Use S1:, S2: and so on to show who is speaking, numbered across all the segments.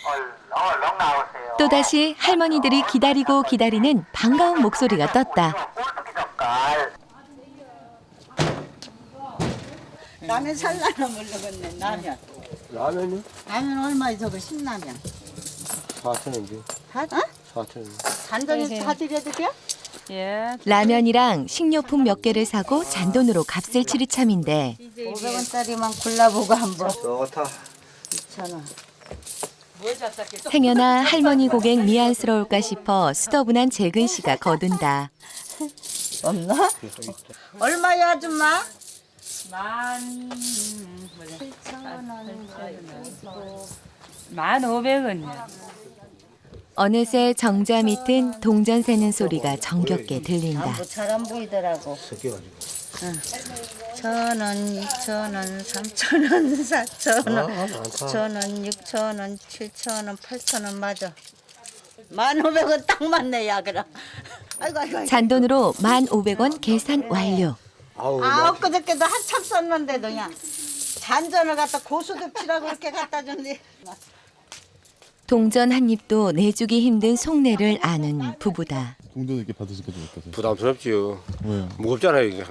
S1: 얼른 나오세요.
S2: 또다시 할머니들이 기다리고 기다리는 반가운 목소리가 떴다.
S1: 꼴뚜기 젓갈.
S3: 라면 살라나 모르겠네. 라면.
S4: 라면이요?
S3: 라면 얼마에 저거 신라면?
S4: 4,000원인데.
S3: 다? 어?
S4: 4,000원.
S3: 단전에 다 드려도 돼?
S5: 예.
S2: 라면이랑 식료품 몇 개를 사고 잔돈으로 값을 치를 참인데
S3: 500원짜리만 골라보고 한번.
S4: 좋다.
S3: 2,000원.
S2: 행여나 할머니 고객 미안스러울까 싶어 수더분한 재근 씨가 거둔다.
S3: 없나? 얼마야 아줌마?
S5: 1,500원이야.
S2: 어느새 정자 밑은 동전 세는 소리가 정겹게 들린다.
S3: 잘 안 보이더라고.
S4: 섞여가지고.
S3: 1,000원, 2,000원, 3,000원, 4,000원,
S4: 많다.
S3: 5,000원, 6,000원, 7,000원, 8,000원 맞아. 1,500원 딱 맞네 야 그럼. 아이고.
S2: 잔돈으로 1,500원 계산 완료.
S4: 아우,
S3: 엊그저께도 한참 썼는데도 그냥 잔전을 갖다 고수도 치라고 그렇게 갖다 줬네.
S2: 동전 한 입도 내주기 힘든 속내를 아는 부부다.
S6: 동전 이렇게 받으시니까 좀 어떠세요?
S4: 부담스럽지요.
S6: 왜요?
S4: 무겁잖아요, 이게.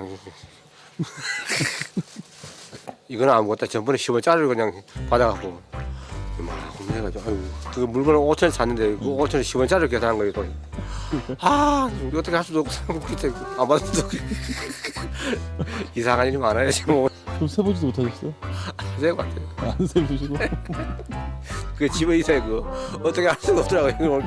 S4: 이거는 아무것도 전번에 10원짜리를 그냥 받아갖고 이만큼 해가지고 아이고 그 물건을 5천원 샀는데 그 5천원 10원짜리를 계산한 거예요 또. 아 어떻게 할 수도 없고 상국기때 안 받을 수도 없고 이상한 일이 많아요 지금.
S6: 좀 세보지도 못하셨어요?
S4: 안될것 같아요.
S6: 안 세보시고?
S4: 그 집에 있어요 그거 어떻게 할 수가 없더라고요 이거.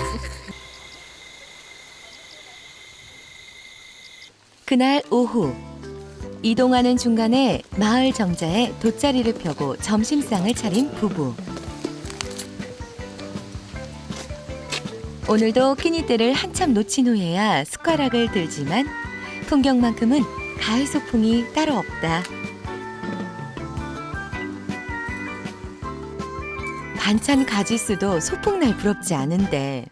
S2: 그날 오후 이동하는 중간에 마을 정자에 돗자리를 펴고 점심상을 차린 부부. 오늘도 끼니때를 한참 놓친 후에야 숟가락을 들지만 풍경만큼은 가을 소풍이 따로 없다. 반찬 가지수도 소풍날 부럽지 않은데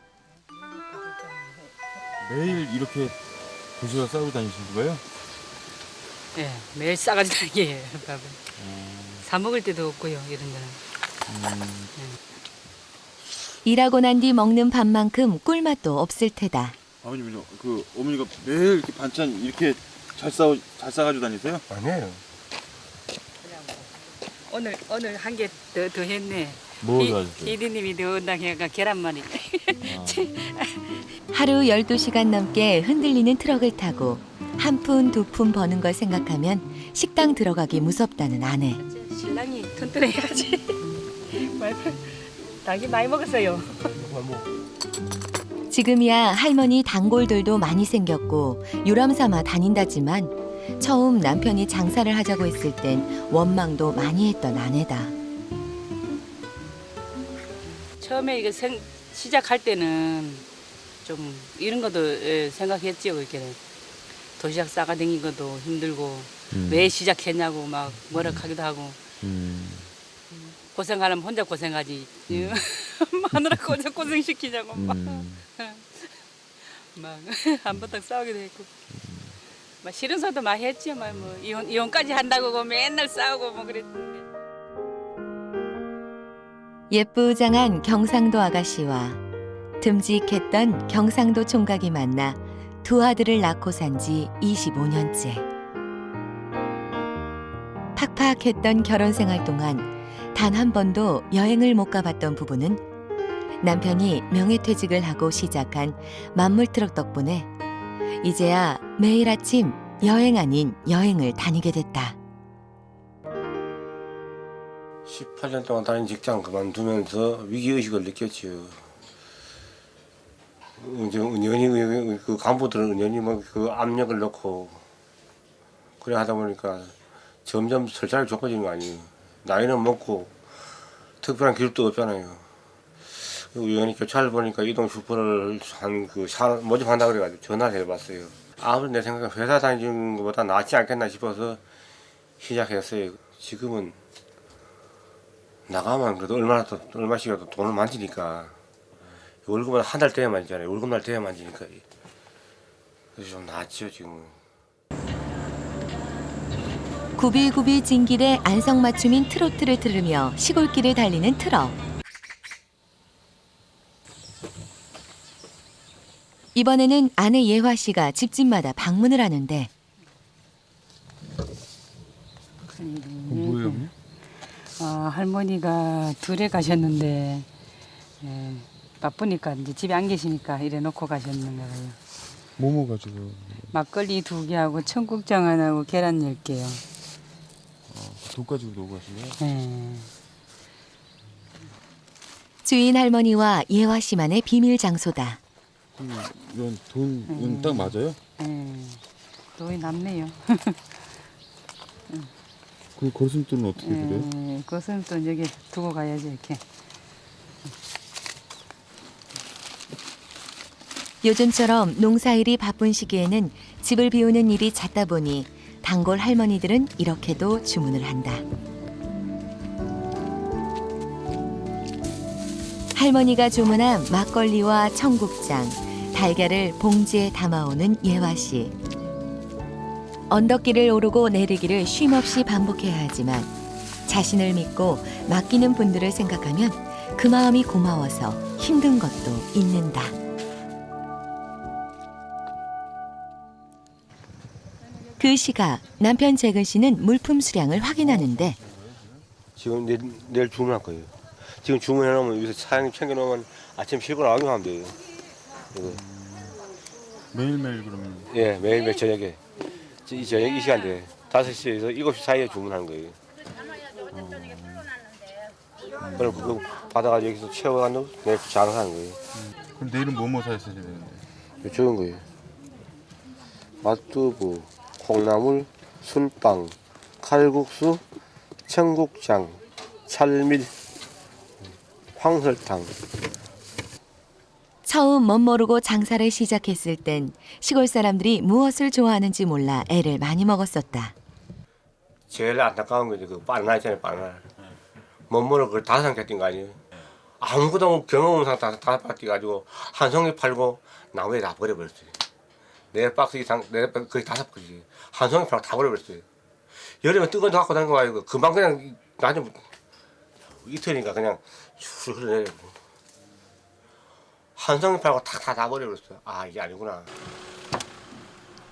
S6: 매일 이렇게 도시락 싸고 다니시는 거예요?
S5: 예, 매일 싸가지고 다니게요, 밥을. 사 먹을 때도 없고요, 이런 데는.
S2: 일하고 난 뒤 먹는 밥만큼 꿀맛도 없을 테다.
S6: 아버님은요, 그 어머니가 매일 이렇게 반찬 이렇게 잘 싸가지고 다니세요?
S4: 아니에요.
S5: 오늘 한 개 더 했네.
S6: 뭐 가지고요?
S5: 피디님이 더 온다고 해가 계란말이.
S2: 하루 12시간 넘게 흔들리는 트럭을 타고 한 푼 두 푼 버는 걸 생각하면 식당 들어가기 무섭다는 아내.
S5: 신랑이 튼튼해야지. 닭이 많이 먹었어요.
S2: 지금이야 할머니 단골들도 많이 생겼고 유람삼아 다닌다지만 처음 남편이 장사를 하자고 했을 땐 원망도 많이 했던 아내다.
S5: 처음에 이거 시작할 때는 좀 이런 것도 생각했지요. 이렇게 도시락 싸가 댕긴 것도 힘들고 왜 시작했냐고 막 뭐락하기도 하고 고생하려면 혼자 고생하지 마누라 고생시키냐고 막 한바탕 싸우기도 했고 막 싫은 소리도 많이 했죠. 막 뭐 이혼까지 한다고 뭐 맨날 싸우고 뭐 그랬는데.
S2: 예쁘장한 경상도 아가씨와 듬직했던 경상도 총각이 만나 두 아들을 낳고 산 지 25년째. 팍팍했던 결혼 생활 동안 단 한 번도 여행을 못 가봤던 부부는 남편이 명예퇴직을 하고 시작한 만물트럭 덕분에 이제야 매일 아침 여행 아닌 여행을 다니게 됐다.
S4: 18년 동안 다닌 직장 그만두면서 위기의식을 느꼈지요. 은연히 그 간부들은 은연히 그 압력을 넣고 그래 하다 보니까 점점 설사를 좁아지는 거 아니에요. 나이는 먹고 특별한 기술도 없잖아요. 우연히 교차를 보니까 이동 슈퍼를 모집한다 그래가지고 전화를 해봤어요. 아무리 내 생각에 회사 다니는 것보다 낫지 않겠나 싶어서 시작했어요. 지금은 나가면 그래도 얼마씩이라도 돈을 만지니까 월급은 한 달 돼야 만지잖아요. 월급날 돼야 만지니까 그래서 좀 낫죠 지금은.
S2: 구비구비 진길에 안성맞춤인 트로트를 들으며 시골길을 달리는 트럭. 이번에는 아내 예화 씨가 집집마다 방문을 하는데
S6: 뭐예요? 어머니?
S5: 할머니가 둘에 가셨는데 바쁘니까 이제 집에 안 계시니까 이래 놓고 가셨는 거예요.
S6: 뭐뭐 가지고?
S5: 막걸리 2개하고 청국장 하나하고 계란 10개요.
S6: 돈 가지고 놀고 가시네요.
S5: 네.
S2: 주인 할머니와 예화 씨만의 비밀 장소다.
S6: 이런 돈은 딱 맞아요?
S5: 돈이 남네요.
S6: 그 거슴돈은 어떻게 그래요?
S5: 그것은 또 여기 두고 가야지 이렇게.
S2: 요즘처럼 농사일이 바쁜 시기에는 집을 비우는 일이 잦다 보니 단골 할머니들은 이렇게도 주문을 한다. 할머니가 주문한 막걸리와 청국장, 달걀을 봉지에 담아오는 예화 씨. 언덕길을 오르고 내리기를 쉼없이 반복해야 하지만 자신을 믿고 맡기는 분들을 생각하면 그 마음이 고마워서 힘든 것도 잊는다. 그 시각 남편 재근 씨는 물품 수량을 확인하는데
S4: 지금 내일 주문할 거예요. 지금 주문해놓으면 여기서 사장님 챙겨놓으면 아침 싣고 나가기만 하면 돼요. 이거.
S6: 매일매일 그러면
S4: 예, 매일매일 저녁에 저녁 이 시간대 5시에서 7시 사이에 주문하는 거예요. 그럼 그거 받아가지고 여기서 채워가지고 내일 장사하는 거예요.
S6: 그럼 내일은 뭐뭐 사셔야 되는데?
S4: 좋은 거예요. 맛두부, 콩나물, 술빵, 칼국수, 청국장, 찰밀, 황설탕.
S2: 처음 멋모르고 장사를 시작했을 땐 시골 사람들이 무엇을 좋아하는지 몰라 애를 많이 먹었었다.
S4: 제일 안타까운 거지 그 바나나 있잖아요, 바나나. 멋모르고 그걸 5상 뛴 거 아니에요. 아무것도 경험 없는 상태 5박 뛰가지고 한 송이 팔고 나무에 다 버려버렸어요. 4박스 이상, 거의 5박스. 한 송이 팔고 다 버려버렸어요. 여름에 뜨거운 데 갖고 다니는 거 아니고 금방 그냥 나중에 이틀이니까 그냥 술 흘러내려. 한 송이 팔고 다 버려버렸어요. 아, 이게 아니구나.